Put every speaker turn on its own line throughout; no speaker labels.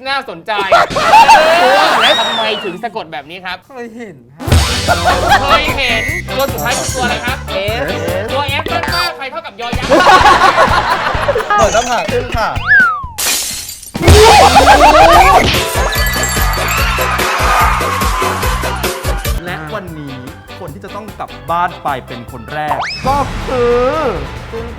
น่าสนใจแล้วทำไมถึงสะกดแบบนี้ครับ
เคยเห็น
เคยเห็นตัวสุดท้ายคือตัวอะไรครับ S ตัว S ต้นว่าใครเท่ากับยอยักษ์
เปิดหน้าผากขึ้นค่ะและวันนี้คนที่จะต้องกลับบ้านไปเป็นคนแรกก็คือตื่น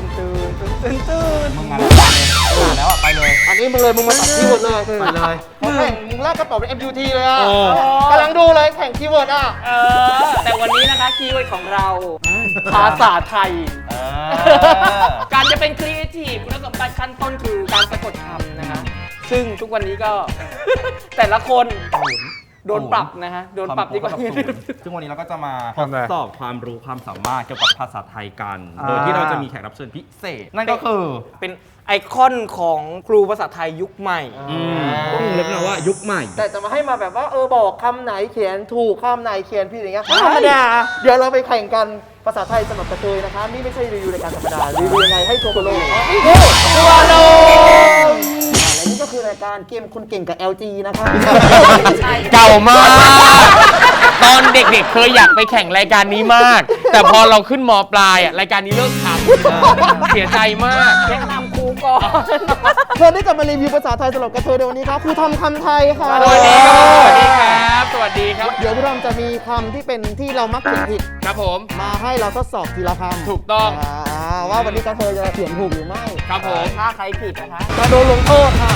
มึงมาแล้วไปเลย
อันนี้มึงเลยมึงมาตัดคีย์เวิร์ดเลยไปเลยแข่งมึงแรกก็ตอบเป็น MUT เลยอ่ะกำลังดูเลยแข่งคีย์เวิร์ดอ่ะ
แต่วันนี้นะคะคีย์เวิร์ดของเราภาษาไทย การจะเป็นครีเอทีฟคุณสมบัติขั้นต้นคือการสะกดคำนะคะซึ่งทุกวันนี้ก็ แต่ละคนโดนปรับนะฮะโดนปรับดีกว่า
ซึ่งวันนี้เราก็จะมาทดสอบความรู้ความสามารถเกี่ยวกับภาษาไทยกัน โดยที่เราจะมีแขกรับเชิญพิเศษ นั่นก็คือ
เป็นไอคอนของครูภาษาไทยยุคใหม่
ต้องเรียกนะว่ายุคใหม่
แต่จะมาให้มาแบบว่าบอกคำไหนเขียนถูกคำไหนเขียนผิดอย่างเงี้ยธรรมดาเดี๋ยวเราไปแข่งกันภาษาไทยสำหรับกระเทยนะคะนี่ไม่ใช่รีวิวรายการธรรมดารีวิวยังไงให้ทัวร์โลกทัวร์โลกและนี่ก็คือรายการเกมคนเก่งกับ LG นะคะ
เก่ามาก ตอนเด็กๆเคยอยากไปแข่งรายการนี้มาก แต่พอเราขึ้นม.ปลายรายการนี้เลิกทำเสียใจมาก
แนะนำครูก่อน
เธอได้กลับมารีวิวภาษาไทยสำหรับกระเทยในวันนี้ครับครูทอมคำไทยค่ะ
สวัสดีครับ สวัสดีครับ สวัสดีครับ
เดี๋ยวพี่ทอมจะมีคำที่เป็นที่เรามักเขียนผิด
ครับผม
มาให้เราทดสอบทีละคำ
ถูกต้อง
ว่าวันนี้กระเทยจะเขียนถูกหรือไม่
ครับผม
ถ้าใครผิดนะคะ
จะโดนลงโทษค่ะ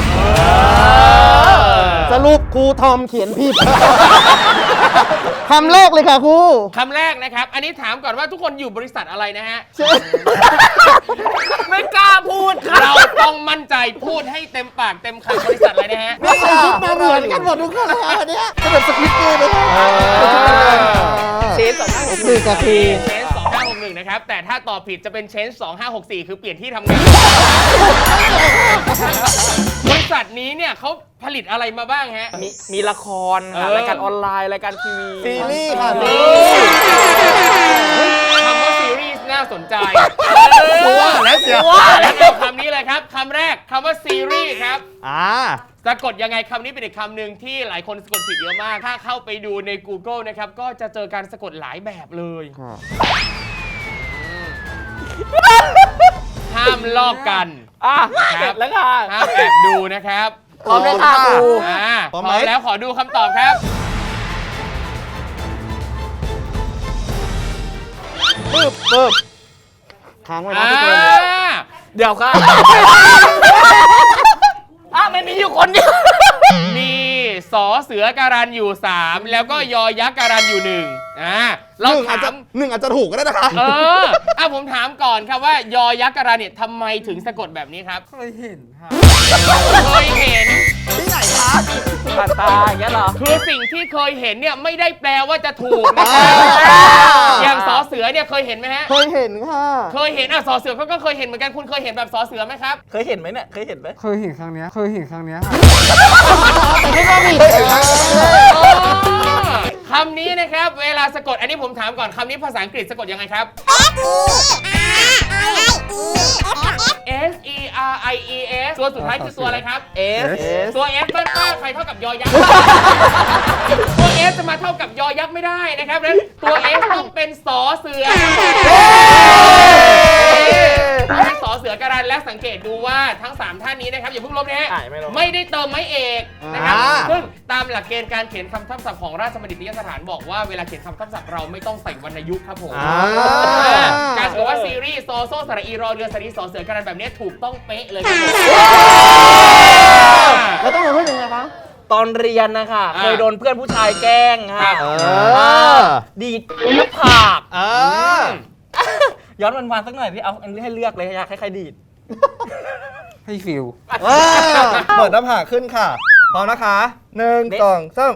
สรุปครูทอมเขียนผิด คำแรกเลยค่ะครู
คำแรกนะครับ อันนี้ถามก่อนว่าทุกคนอยู่บริษัทอะไรนะฮะ
ไม่กล้าพูดค่ะ
เราต้องมั่นใจพูดให้เต็มปากเต็มคำบริษัทอะไรนะฮะ
นี่ใส่ชุดมาเหมือนกันหมดทุกคนเลยอันเนี้ยก็แบบสควิตเกมเลยนะ
เชนสองห้าหก
หนึ่งกับที
เชน2561 นะครับ แต่ถ้าตอบผิดจะเป็นเชน2564 คือเปลี่ยนที่ทำงาน บริษัทนี้เนี่ยเขาผลิตอะไรมาบ้างฮะ
มีละครค่ะรายการออนไลน์รายการทีวี
ซีรีส์ค่ะ
คำว่าซีรีส์น่าสนใจ
แล้วเสีย
แล้วเอาคำนี้เลยครับ คำแรกคำว่าซีรีส์ครับ สะกดยังไงคำนี้เป็นอีกคำหนึ่งที่หลายคนสะกดผิดเยอะมาก ถ้าเข้าไปดูใน Google นะครับ ก็จะเจอการสะกดหลายแบบเลย ห้ามลอกกัน
เสร็จแล้วค่ะ
ห้ามแอบดูนะครับ
พร้อมเลยค่ะครู
พร้อมแล้วขอดูคำตอบครับ
ปึ๊บค้างไว้นะทุกคน
เดี๋ยวค่ะไม่มีอยู่คนเดียว
มีสอเสือการันอยู่ 3 แล้วก็ยอยักษ์การันอยู่1เราถาม
หนึ่งอาจจะถูกก็ได้นะคะ
ผมถามก่อนครับว่ายอยักษ์การันเนี่ยทำไมถึงสะกดแบบนี้ครับ
เคยเห็นค่ะ
เคยเห็น
ที่ไหนคะ
ผ่านตาอย่างเงี้ยเหรอ
คือสิ่งที่เคยเห็นเนี่ยไม่ได้แปลว่าจะถูกนะครับอย่างสอเสือเนี่ยเคยเห็นไหมฮะ
เคยเห็นค่ะ
เคยเห็นสอเสือเขาก็เคยเห็นเหมือนกันคุณเคยเห็นแบบสอเสือไหมครับ
เคยเห็นไหมเนี่ย เคยเห็นไหม
เคยเห็นครั้งเนี้ย
แต่ไม่ก็ผิด
คำนี้นะครับเวลาสะกดอันนี้ผมถามก่อนคำนี้ภาษาอังกฤษสะกดยังไงครับ S E R I E S ตัวสุดท้ายคือตัวอะไรครับ
S
ตัว S ต้นว่าใครเท่ากับยอยักษ์ ตัว S จะมาเท่ากับยอยักษ์ไม่ได้นะครับนั้นตัว S ต้องเป็นสอเสือเป็นสอเสือการันและสังเกตดูว่าทั้ง 3 ท่านนี้นะครับอย่าเพิ่งลบนะฮะไม่ได้เติมไม้เอกนะครับซึ่งตามหลักเกณฑ์การเขียนคำทับศัพท์ของราชบัณฑิตยสถานบอกว่าเวลาเขียนคำทับศัพท์เราไม่ต้องใส่วรรณยุกต์ครับผมการบอกว่าซีรีส์โซโซสระอีรอเรือสระอีสอเสือการันแบบนี้ถูกต้องเป๊ะเลยครับผม
แล้วต้องพูดยังไงคะ
ตอนเรียนนะคะเคยโดนเพื่อนผู้ชายแกล้งค่ะดีดลูกผากย้อนวันๆสักหน่อยที่เอาอันนี้ให้เลือกเลยอยากให้ใครดีด
ให้ฟิล
เปิดหน้าผากขึ้นค่ะ พร้อมนะคะ1 2 3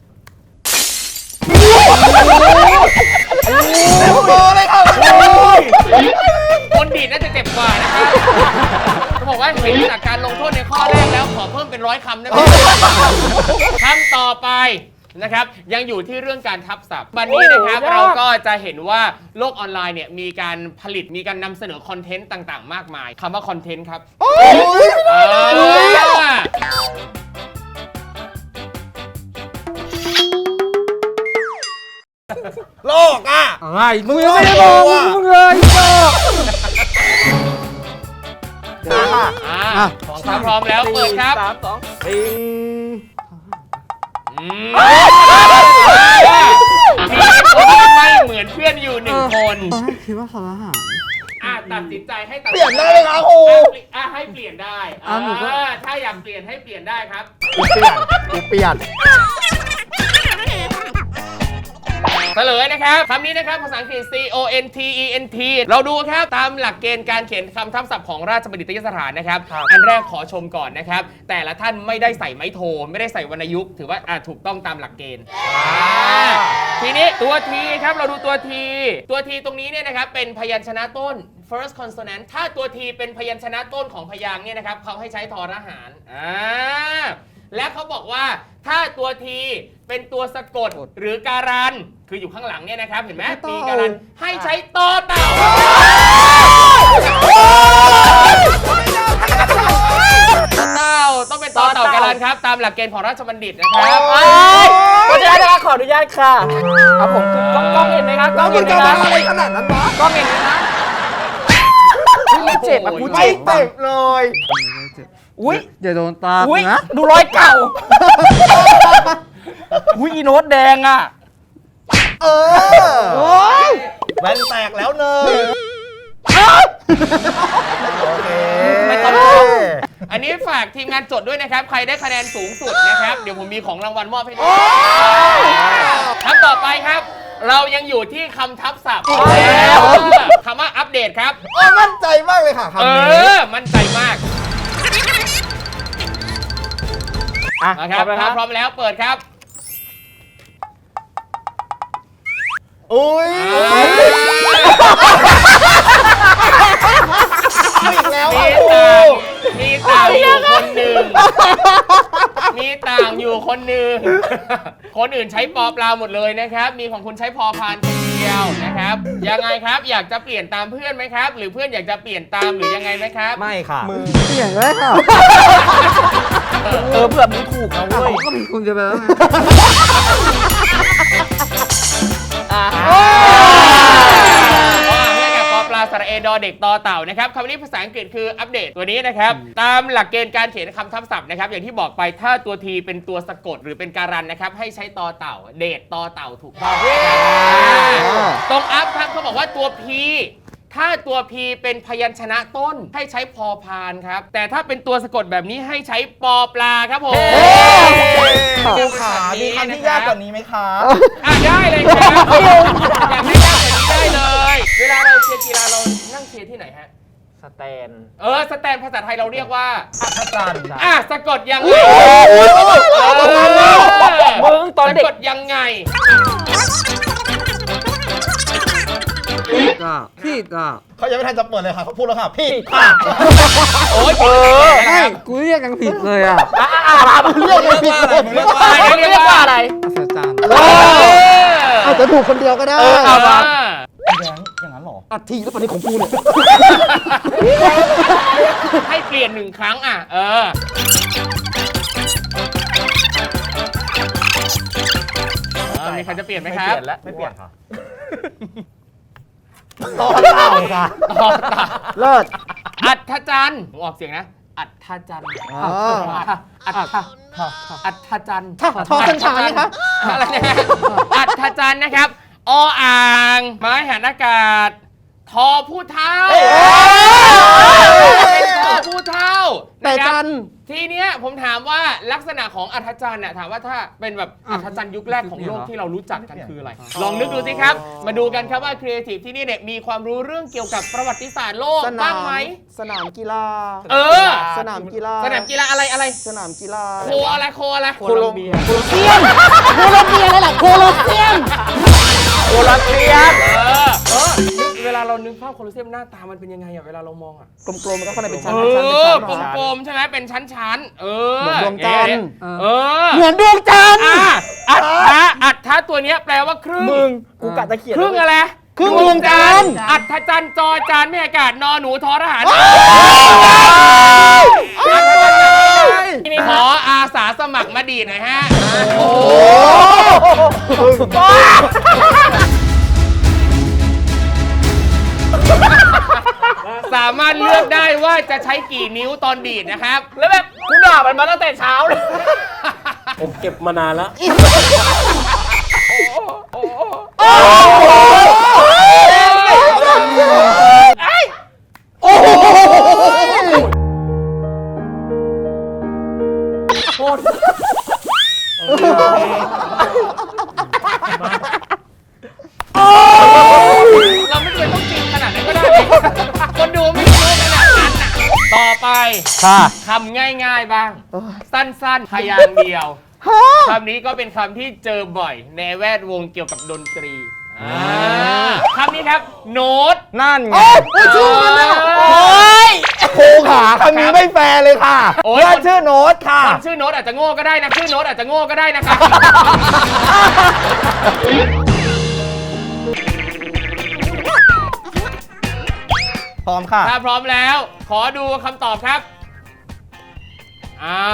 คนดีดน่าจะเจ็บกว่านะครับเขาบอกว่าเห็นจากการลงโทษในข้อแรกแล้วขอเพิ่มเป็น100 คำได้ไหมคำต่อไปนะครับยังอยู่ที่เรื่องการทับศัพท์วันนี้นะครับเราก็จะเห็นว่าโลกออนไลน์เนี่ยมีการผลิตมีการนำเสนอคอนเทนต์ต่างๆ มากมายคำว่าคอนเทนต์ครับ
โลกอ่ะ
อะไรมึงยังไม่ได้บอกมึงเลยบอก
ของถ้าพร้อมแล้วเปิดครับ
3 2
มีคนที่ไม่เหมือนเพื่อนอยู่1 คน
ตอนแรกคิดว่าสารอาหาร
ตัดสินใจให้ตัด
เปลี่ยนได้เลยครับครู
ให้เปลี่ยนได้
หนูก็
ถ้าอยากเปลี่ยนให้เปลี่ยนได้ครับ
เปลี่ยน
เฉลยนะครับคำนี้นะครับภาษาอังกฤษ CONTENT เราดูครับตามหลักเกณฑ์การเขียนคำทับศัพท์ของราชบัณฑิตยสถานนะครับอันแรกขอชมก่อนนะครับแต่ละท่านไม่ได้ใส่ไม้โทไม่ได้ใส่วรรณยุกต์ถือว่าถูกต้องตามหลักเกณฑ์ทีนี้ตัวทีครับเราดูตัวทีตรงนี้เนี่ยนะครับเป็นพยัญชนะต้น first consonant ถ้าตัวทีเป็นพยัญชนะต้นของพยางค์เนี่ยนะครับเขาให้ใช้ทอทหารและเขาบอกว่าถ้าตัวทีเป็นตัวสะกดหรือการันคืออยู่ข้างหลังเนี่ยนะครับเห็นไหมมีการันให้ใช้ตอเต่าต้องเป็นตอเต่าการันครับตามหลักเกณฑ์ของราชบัณฑิตนะครับ
ขออนุญาตนะคะขออนุญาตค่ะครับผมคือกล้องเห็นไหมครับกล้องเห็นไหมครับ
อะไรขนาดนั้นวะ
กล้องเห็นไหมครับไม่เจ็บอ่ะกู
ไม่
เจ็บ
เจ็บเลย
อุ้ย
อย่าโดนตา
อุ้ย
นะ
ดูรอยเก่าอุ้ยอีโน้ตแดงอ่ะ
โอ้ยแว่นแตกแล้วเนยโอเค
ไม่ต้อง
อันนี้ฝากทีมงานจดด้วยนะครับใครได้คะแนนสูงสุดนะครับเดี๋ยวผมมีของรางวัลมอบให้ด้วยคำต่อไปครับ เรายังอยู่ที่คำทับศัพท์แล้วคำว่าอัปเดตครับ
มั่นใจมากเลยค่ะคำนี้
มั่นใจมากนะครับถ้าพร้อมแล้วเปิดครับ
อุ้ยอีกแล้ว
มีต่างอยู่คนหนึ่งมีต่างอยู่คนหนึ่งคนอื่นใช้ปอปลาหมดเลยนะครับมีของคุณใช้พอพานคนเดียวนะครับยังไงครับอยากจะเปลี่ยนตามเพื่อนไหมครับหรือเพื่อนอยากจะเปลี่ยนตามหรือยังไงไหมครับ
ไม่ค่ะ
เปลี่ยนเลยค่ะ
เผื่อมึงถูกนะเว้ย
ก็มีคุณจะไปแล้วไง
เพื่อนกับปอปลาสระเอดอเด็กตอเต่านะครับคำนี้ภาษาอังกฤษคืออัปเดตตัวนี้นะครับตามหลักเกณฑ์การเขียนคำทับศัพท์นะครับอย่างที่บอกไปถ้าตัวทีเป็นตัวสะกดหรือเป็นการันนะครับให้ใช้ตอเต่าเดทตอเต่าถูกต้องตรงอัพครับเขาบอกว่าตัว P ถ้าตัว P เป็นพยัญชนะต้นให้ใช้พอพานครับแต่ถ้าเป็นตัวสะกดแบบนี้ให้ใช้ปอปลาครับผม
ครูขามีคำที่ยากกว่านี้ไหมคะ
ได้เลยครับอยากให้ยากกว่านี้ได้เลยเวลาเราเชียร์กีฬาเรานั่งเชียร์ที่ไหนฮะ
สแตน
สแตนภาษาไทยเราเรียกว่า
อาจารย์
สะกดยังไง
มึงตอนเด็ก
สะกดยังไง
พี่อ่ะ
เขายังไม่ทันจะเปิดเลยค่ะเขาพูดแล้วค่ะพี่ค่ะ
โอ้ย
ไม่กูเรียกยังผิดเลยอ่ะ
เรียกไม่ผิดเลย
เรียกว่าอะไร
อัศจรรย์
อาจจะถูกคนเดียวก็ได้
เอามา
แดงอย่างนั้นหรอ
อัดทีแล้วปฏิของกูเนี่ย
ให้เปลี่ยน1 ครั้งมีใครจะเปลี่ยนไหมครับ
ไม่เปลี่ยนค่ะต่อเต่าค่ะ
ต่อเต่า
เลิศ
อัฐจันทร์ผมออกเสียงนะ อัฐจันทร์อัฐจันทร์
ทอสัญชาไหมคะ
อะไรนะอัฐจันทร์นะครับออ่างไม้หันอากาศทอผู้เท่าเป็นทอผู้เท่า
แต่จัน
ทีเนี้ยผมถามว่าลักษณะของอัฐจันทร์น่ะถามว่าถ้าเป็นแบบอัฐจันทร์ยุคแรกของโลกที่เรารู้จักกันคืออะไร ลองนึกดูสิครับ มาดูกันครับว่าครีเอทีฟที่นี่เนี่ยมีความรู้เรื่องเกี่ยวกับประวัติศาสตร์โลกบ้างไหม
สนามกีฬา สนามกีฬา
สนามกีฬาอะไร
สนามกีฬา
โคอะไร
โคลัมเบีย
โคลอมเบียอะไรล่ะโคลอมเบีย
โคลัมเบีย
เวเวลาเรานึกภาพโคลอสเซียมหน้าตามันเป็นยังไงอะเวลาเรามองอะ
กลมๆแล้วก็ข้างในเป็นชั้น
เอ
ๆชั้น
อ
ๆ
กลมๆใช่ไหมเป็นชั้นๆ เออ
เหมือนดวงจันทร์
เออ
เหมือนดวงจันทร์
อัฏฐะตัวเนี้ยแปลว่าครึ่ง
มึงกูกะตะเขียน
ครึ่งอะไร
ครึ่งดวงจันทร์
อัฏฐจันทร์จอจานไม่อากาศนอหนูทอทหารขออาสาสมัครมาดีดหน่อยฮะ
โอ้
สามารถเลือกได้ว่าจะใช้กี่นิ้วตอนดีดนะครับ
แล้วแบบกูด่ามันมาตั้งแต่เช้าเลย ผมเก็บมานานแล้ว
เราไม่เคยต้องจริงขนาดนั้นก็ได้เลยคนดูไม่รู้ขนาดนั้นน่ะต่อไป
ค่ะ
คำง่ายๆบ้าง สั้นๆพยางค์เดียวคำนี้ก็เป็นคำที่เจอบ่อยในแวดวงเกี่ยวกับดนตรีคำนี้ครับ โน้ต
นั่นไง
ชื่อมันอะ
โอ้ย
ครูขาคำนี้ไม่แฟร์เลยค่ะ
โอ้ย
เพื่อนชื่อโน้ตค่ะ
คนชื่อโน้ตอาจจะโง่ก็ได้นะชื่อโน้ตอาจจะโง่ก็ได้นะครับ
พร้อมค่ะ
ถ้าพร้อมแล้ว ขอดูคำตอบครับอ่า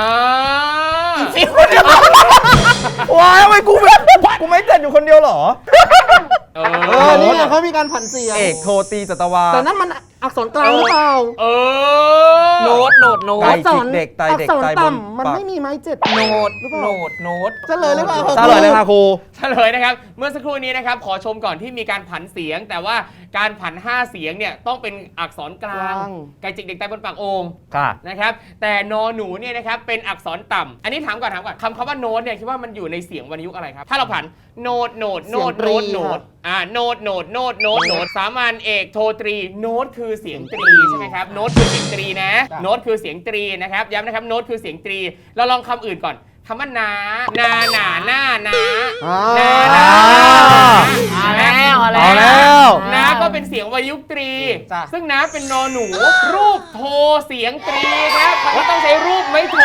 ว้ายทำไมกูไม่เจ็ดอยู่คนเดียวเหรอ
เอ
นี่ไงเขามีการผันเสียง
เอกโทตีจัตวา
แต่นั่นมันอักษรกลางหรือเปล่า
เออ
โน้ต
ไตจิกเด็กไต
อัก
เด็ก
ษร
ไตบน
ต่ำมัน
ปาก
ไม่มีไม้เจ็ด
โน้ต
หรือเปล่า
โน้ต โน้ต
เฉลยเลยเปล่า
เฉลยเลยค่ะครู
เฉลยนะครับ เมื่อสักครู่นี้นะครับ ขอชมก่อนที่มีการผันเสียง แต่ว่าการผัน 5 เสียงเนี่ยต้องเป็นอักษรกลาง ไก่จิกเด็กใต้บนปากโอ่ง
ค่ะ
นะครับ แต่นอหนูเนี่ยนะครับเป็นอักษรต่ำอันนี้ถามก่อนคำว่าโน้ตเนี่ยคิดว่ามันอยู่ในเสียงวรรณยุกต์อะไรครับ ถ้าเราผันโน้ตโน้ตโน้ตโน้ตโน้ตโน้ตโน้ตโน้ตโน้ตโน้ตสามัญเอกโทตรีโน้ตคือเสียงตรีใช่ไหมครับโน้ตคือเสียงตรีนะโน้ตคือเสียงตรีนะครับย้ำนะครับโน้ตคือเสียงตรีเราลองคำอื่นก่อนคำว่านาหนาหน้านานาเอาแล้วนาก็เป็นเสียงวรรณยุกต์ตรี ซึ่งนาเป็นนอหนูรูปโทเสียงตรีครับเขาต้องใช้รูปไม่โท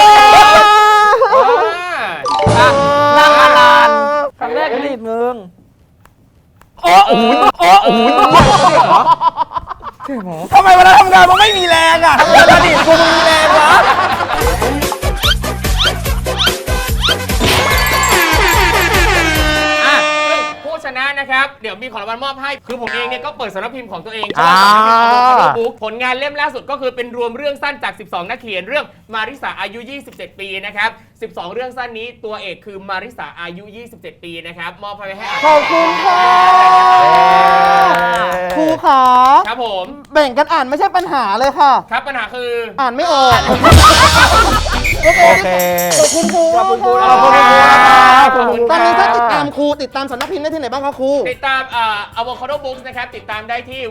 ลางอลานครั้งแรกรีบมึง
ทำไมเวลาทำงานมันไม่มีแรงอ่ะทำงานอดีตกูมีแรงวะ
ผู้ชนะนะครับ เดี๋ยวมีของรางวัลมอบให้ คือผมเองเนี่ยก็เปิดสำนักพิมพ์ของตัวเองผลงานเล่มล่าสุดก็คือเป็นรวมเรื่องสั้นจาก 12 นักเขียนเรื่องมาริสาอายุ 27 ปีนะครับ 12 เรื่องสั้นนี้ตัวเอกคือมาริสาอายุ 27 ปีนะครับ มอบให้อ่าน
ขอบคุณค่ะครูขา
ครับผม
แบ่งกันอ่านไม่ใช่ปัญหาเลยค่ะ
ครับปัญหาคือ
อ่านไม่ออก
โอเค
ขอบคุณครู
ขอบคุณครู
ขอบคุณครู
ขอบคุณ
ตอนนี้
ครั
ถ้า
บ
ติดตามครูติดตามสำนักพิมพ์ได้ที่ไหนบ้างคะครู
ติดตามAvocado Books นะครับ ติดตามได้ที่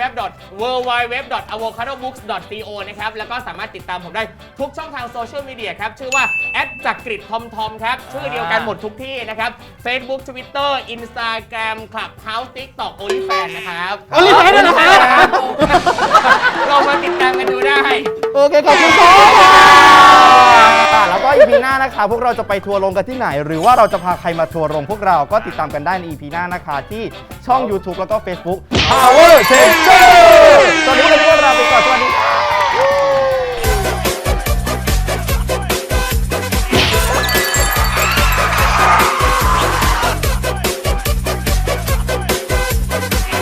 www.avocadobooks.co นะครับ แล้วก็สามารถติดตามผมได้ทุกช่องทางโซเชียลมีเดียครับ ชื่อว่าจักริดทอมทอมครับ ชื่อเดียวกันหมดทุกที่นะครับ Facebook Twitter Instagram Clubhouse TikTok OnlyFans นะครับ
OnlyFans ด้วยนะครับ
ลองมาติดตามกันดูได้
โอเคขอบคุณค่ะแล้วก็ EP หน้านะคะพวกเราจะไปทัวร์ลงกันที่ไหน หรือว่าเราจะพาใครมาทัวร์ลงพวกเราก็ติดตามกันได้ใน EP หน้านะคะที่ช่อง YouTube แล้วก็ Facebook Power Changer ตอนนี้พวกเราไปก่อนสวัสดีค่ะ